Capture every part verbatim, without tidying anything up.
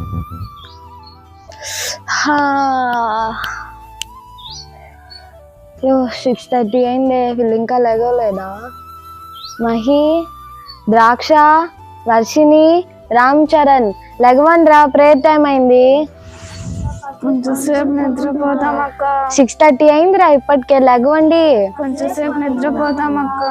Six thirty అయింది, వీళ్ళు ఇంకా లెగలేదా? మహి, ద్రాక్ష, వర్షిని, రామ్ చరణ్ లెగవండి రా, ప్రేయర్ టైం అయింది. కొంచెంసేపు నిద్రపోతాం అక్క. సిక్స్ థర్టీ అయిందిరా, ఇప్పటికే లెగవండి. కొంచెంసేపు నిద్రపోతాం అక్క.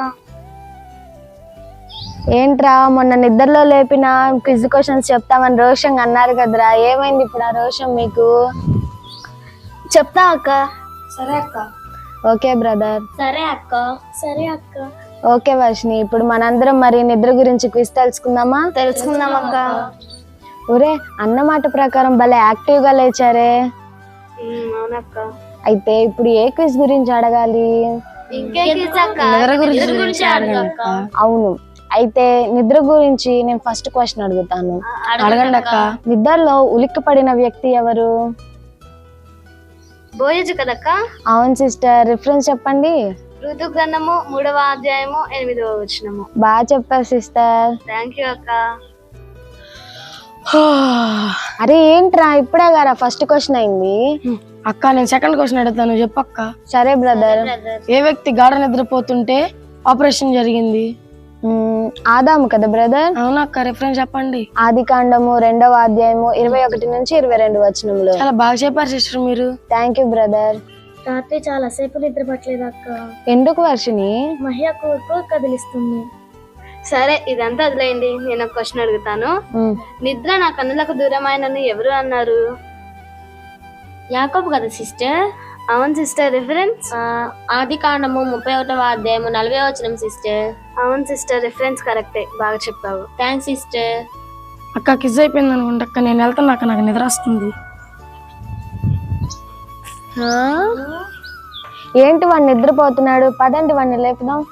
ఏంట్రా మొన్న నిద్రలో లేపిన క్విజ్ క్వశ్చన్స్ చెప్తామని రోషన్ అన్నారు కదరా, ఏమైంది ఇప్పుడు ఆ రోషన్ మీకు? చెప్తా అక్క. సరే అక్క. Okay brother. సరే అక్క. సరే అక్క. ఓకే వర్షిని, ఇప్పుడు మనందరం మరి నిద్ర గురించి క్విజ్ తెలుసుకుందామా? తెలుసుకుందాం అక్క. ఒరే, అన్నమాట ప్రకారం భలే యాక్టివ్ గా లేచారే. అవునక్క. అయితే ఇప్పుడు ఏ క్విజ్ గురించి అడగాలి? అవును, అయితే నిద్ర గురించి నేను ఫస్ట్ క్వశ్చన్ అడుగుతాను. అడగండి అక్క. నిద్రలో ఉలిక్కి పడిన వ్యక్తి ఎవరు? బోయజు కదక్క. అవును సిస్టర్, రిఫరెన్స్ చెప్పండి. ఋతు గ్రంథము మూడవ అధ్యాయము ఎనిమిదవ వచనము. బాగా చెప్పారు సిస్టర్. థ్యాంక్ యూ అక్క. అరే ఏంట్రా ఇప్పుడే గారా ఫస్ట్ క్వశ్చన్ అయింది? అక్క నేను సెకండ్ క్వశ్చన్ అడుగుతాను, చెప్పక్క. సరే బ్రదర్. ఏ వ్యక్తి గాఢ నిద్రపోతుంటే ఆపరేషన్ జరిగింది? ఆదాము కదా బ్రదర్? అవునక్క, రిఫరెన్స్ చెప్పండి. ఆది కాండము రెండవ అధ్యాయము ఇరవై ఒకటి నుంచి ఇరవై రెండు వచనములు. చాలా బాగా చెప్పారు సిస్టర్ మీరు. Thank you brother. రాత్రి చాలా సేపు నిద్ర పట్టలేదు అక్క. ఎందుకు వర్షిని? మహిళ కూర్పు కదిలిస్తుంది. సరే ఇదంతా వదిలేయండి, నేను ఒక క్వశ్చన్ అడుగుతాను. నిద్ర నా కన్నులకు దూరమైనని ఎవరు అన్నారు? యాకోబు కదా సిస్టర్? అవును సిస్టర్. రిఫరెన్స్ ఆది కాండము ముప్పై ఒకటవ అధ్యాయము నలభై వచనం సిస్టర్. అవును సిస్టర్, రిఫరెన్స్ కరెక్టే, బాగా చెప్పావు. Thanks sister. అక్క కిజ్ అయిపోయింది అనుకుంటా అక్క, నేను వెళ్తాను అక్క, నాకు నిద్ర వస్తుంది. ఏంటి వాడు నిద్రపోతున్నాడు, పదండి వాడిని లేపుదాం.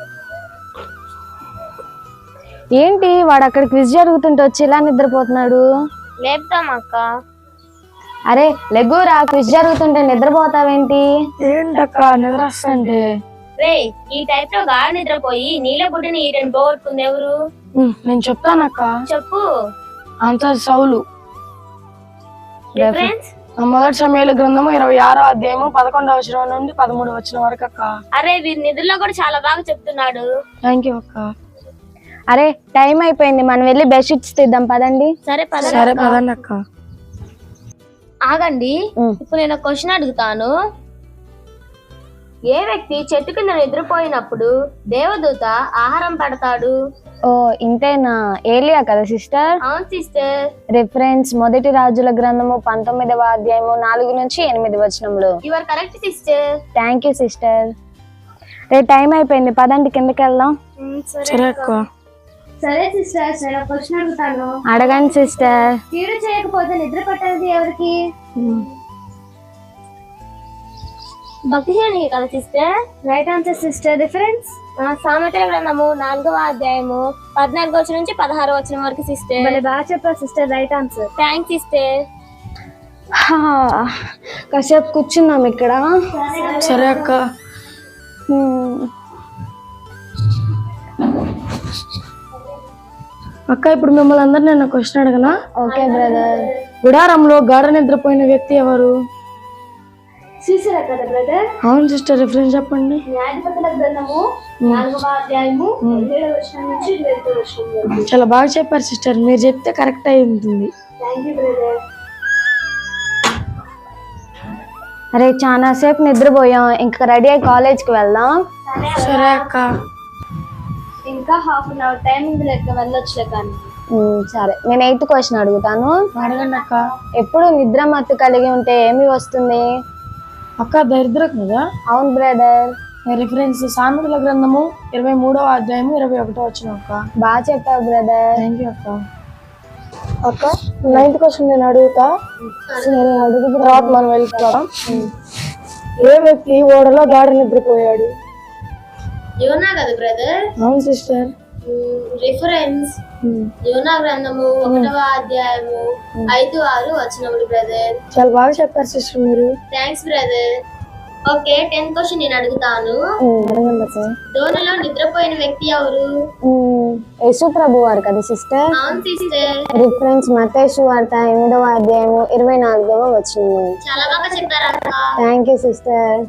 ఏంటి వాడు అక్కడ క్విజ్ జరుగుతుంటే వచ్చి ఇలా నిద్రపోతున్నాడు? లేపుతాం అక్క. అరే లెగురా, క్విజ్ జరుగుతుంటే నిద్రపోతావేంటి? ఏంటక్క నిద్ర వస్తుంటే? రే, ఈ టైప్ లో గాఢ నిద్రపోయి నీళ్ళ గుడ్డిని ఈటని పోగొట్టుకుంది ఎవరు? నేను చెప్తానక్క. చెప్పు. ఆన్సర్ సౌలు. రిఫరెన్స్ మొదటి సమయాల గ్రంథము ఇరవై ఆరో అధ్యాయము పదకొండవ వచనం నుండి పదమూడు వచనం వరకు అక్క. అరే వీరి నిద్రలో కూడా చాలా బాగా చెప్తున్నాడు. థ్యాంక్ యూ అక్క. అరే టైం అయిపోయింది, మనం వెళ్ళి బెడ్షీట్స్ తీద్దాం పదండి. సరే సరే పదండి అక్క. ఆగండి, ఇప్పుడు నేను క్వశ్చన్ అడుగుతాను. ఏ వ్యక్తి చెట్టు కింద నిద్రపోయినప్పుడు దేవదూత ఆహారం పెడతాడు? ఓ ఇంతేనా, ఏలియా కదా సిస్టర్? అవును సిస్టర్. రిఫరెన్స్ మొదటి రాజుల గ్రంథము పంతొమ్మిదవ అధ్యాయము నాలుగు నుంచి ఎనిమిది వచనములు. You are correct sister. Thank you sister. రే టైం అయిపోయింది, పదండి కిందకి వెళ్దాం. సరే అక్క. సరే సిస్టర్, నేను క్వశ్చన్ అడుగుతాను. అడగండి సిస్టర్. కీడు చేయకపోతే నిద్ర పట్టేది ఎవరికి? భక్తిహీనునికి కదా sister? Right answer sister. Reference సామెతల గ్రంథము నాలుగవ అధ్యాయము పద్నాలుగు వచ్చిన నుంచి పదహారు వచ్చిన వరకు సిస్టర్. భలే బాగా చెప్పారు sister. Right answer. Thanks sister. కాసేపు కూర్చున్నాం ఇక్కడ. సరే అక్క. అక్క ఇప్పుడు మిమ్మల్ని అందరినీ నేను క్వశ్చన్ అడగనా? Okay brother. గుడారంలో గాఢ నిద్రపోయిన వ్యక్తి ఎవరు? సీసరా కదా బ్రదర్? అవును సిస్టర్, రిఫరెన్స్ చెప్పండి. న్యాయాధిపతుల గ్రంథము నాలుగవ అధ్యాయము పదిహేడవ వచనం నుంచి ఇరవై ఐదవ వచనం వరకు. చాలా బాగా చెప్పారు సిస్టర్, మీరు చెప్తే కరెక్ట్ అయి ఉంటుంది. Thank you brother. అరే చాలా సేపు నిద్రపోయాం, ఇంకా రెడీ అయ్యి కాలేజ్కి వెళ్దాం. సరే అక్క. ఇంకా హాఫ్ అన్ అవర్ టైం ఉంది, లెక్క వెళ్ళొచ్చులే. కానీ సరే, నేను ఎయిత్ క్వశ్చన్ అడుగుతాను. అడగండి అక్క. ఎప్పుడు నిద్ర మత్తు కలిగి ఉంటే ఏమి వస్తుంది? అక్క దరిద్రం కదా? అవును బ్రదర్. రిఫరెన్స్ సామెతల గ్రంథము ఇరవై మూడవ అధ్యాయము ఇరవై ఒకటో వచ్చిన అక్క. బాగా చెప్పావు బ్రదర్. థ్యాంక్ యూ అక్క. అక్క నైన్త్ క్వశ్చన్ నేను అడుగుతా, అడుగు తర్వాత మనం వెళ్ళిపోతాం. ఏ వ్యక్తి ఓడలో గాఢ నిద్రపోయాడు? యోనా కదా బ్రదర్? అవును సిస్టర్. రిఫరెన్స్ యోనా గ్రంథము ఒకటవ అధ్యాయము ఐదు ఆరు వచనములు బ్రదర్. చాలా బాగా చెప్పారు సిస్టర్ మీరు. Thanks brother. Okay tenth question నేను అడుగుతాను ధోనిలో నిద్రపోయిన వ్యక్తి ఎవరు? యేసు ప్రభు వారు కదా సిస్టర్. అవును సిస్టర్. రిఫరెన్స్ మత్తయి వార్త ఎనిమిదవ అధ్యాయము ఇరవై నాలుగవ వచనము. చాలా బాగా చెప్పారు అక్క. Thank you sister.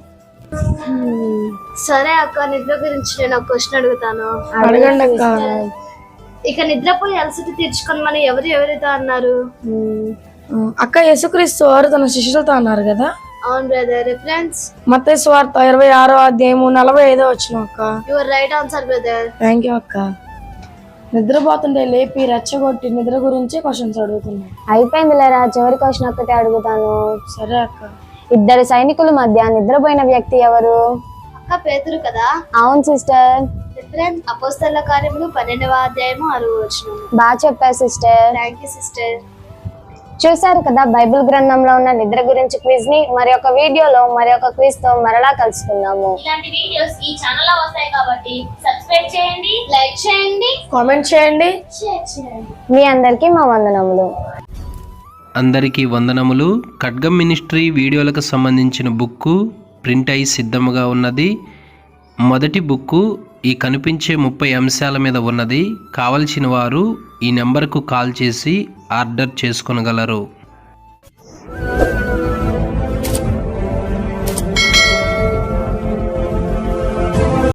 సరే అక్క, నిద్ర గురించి నేను ఒక క్వశ్చన్ అడుగుతాను. అడగండి అక్క. ఇక నిద్రపోయి అలసట తీర్చుకొని మనం ఎవరు ఎవరితో అన్నారు? అక్క యేసుక్రీస్తు వారు తన శిష్యులతో అన్నారు కదా. అవును బ్రదర్. రిఫరెన్స్ మత్తయి సువార్త ఇరవై ఆరో అధ్యాయము నలభై ఐదో వచ్చిన అక్క. Your right answer brother. Thank you అక్క. నిద్రపోతుంటే లేపి రెచ్చగొట్టి నిద్ర గురించి క్వశ్చన్స్ అడుగుతున్నాయి. అయిపోయింది లేరా, చివరి క్వశ్చన్ ఒక్కటే అడుగుతాను. సరే అక్క. ఇద్దరు సైనికుల మధ్య నిద్రపోయిన వ్యక్తి ఎవరు? అక్క పేతురు కదా. అవును సిస్టర్. రిఫరెన్స్ అపోస్తల కార్యములు పన్నెండవ అధ్యాయము ఆరవ వచనం. బాగా చెప్పారు సిస్టర్. Thank you sister. చూసారు కదా బైబిల్ గ్రంథంలో ఉన్న నిద్ర గురించి క్విజ్ ని. మరి ఒక వీడియోలో మరి ఒక క్విజ్ తో మరలా కలుసుకుందాము. ఇలాంటి వీడియోస్ ఈ ఛానల్ లో వస్తాయి కాబట్టి సబ్స్క్రైబ్ చేయండి, లైక్ చేయండి, కామెంట్ చేయండి, షేర్ చేయండి. మీ అందరికీ మా వందనములు. అందరికీ వందనములు. ఖడ్గం మినిస్ట్రీ వీడియోలకు సంబంధించిన బుక్కు ప్రింట్ అయి సిద్ధముగా ఉన్నది. మొదటి బుక్కు ఈ కనిపించే ముప్పై అంశాల మీద ఉన్నది. కావలసిన వారు ఈ నెంబర్కు కాల్ చేసి ఆర్డర్ చేసుకొనగలరు.